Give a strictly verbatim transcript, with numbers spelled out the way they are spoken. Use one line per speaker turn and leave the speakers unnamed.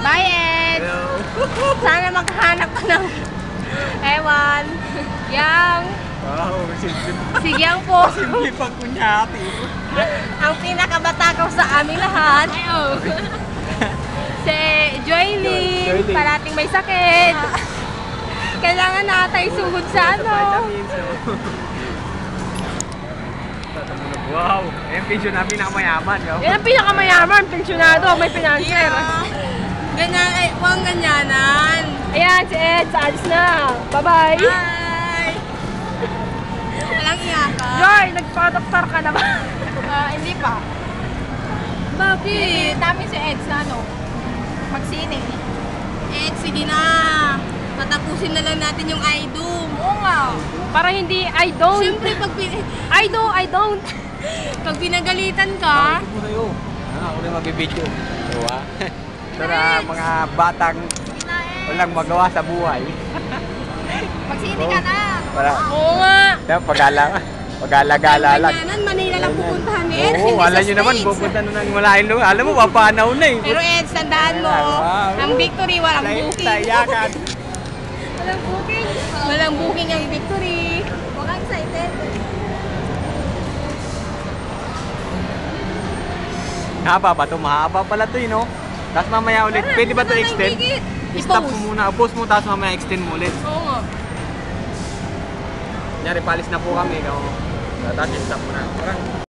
Bye, Ed!
Hello.
Sana maghanap ka ng ewan. Yang.
Wow, simple.
Si Yang po.
Simple pang kunyati.
Ang pinakabatakaw sa aming lahat. Si Joyly.
Joyly.
Parating may sakit. Kailangan natay sugod sa ano.
Vitamins, no? Wow, yung pension na pinakamayaman. No?
Yan ang pinakamayaman. Pensyonado. May financer.
Ganyan, ay, huwag ganyanan.
Ayan, si Ed. Sa alis na. Bye-bye.
Bye! Walang iyakan.
Joy, nagpa-doktor ka na ba?
Ah, hindi pa.
Bakit?
namin si Ed sa ano, magsine. Ed, sige na. Patapusin na lang natin yung I-Doom. Oo nga.
Para hindi, I don't.
Siyempre, pag, pin
I do, I don't.
pag pinagalitan ka,
Ito muna yun. Ah, ako na magbibidyo. Diba? Para mga batang walang magawa sa buhay.
magsine ka na.
Para,
Oo nga.
pag-ala, pag-ala-gala lang.
Ganyanan, Manila lang pupuntahan ni Ed.
Oo,
hindi
alam
sa
nyo naman,
States.
pupunta na ng malaking lugar. Alam mo, papanaw na eh.
Pero Ed, tandaan mo,
Wow.
ang victory walang booking.
Tayakan.
Walang booking. Walang booking ang victory. Huwag kang excited.
Haba ba ito? Mahaba pala ito eh, no? Tapos mamaya ulit. Pwede ba ito extend? I-stop mo muna. Pause mo, tapos mamaya extend mo ulit.
Oo nga.
Kunyari, palis na po kami. No? Tapos i-stop mo na. Parang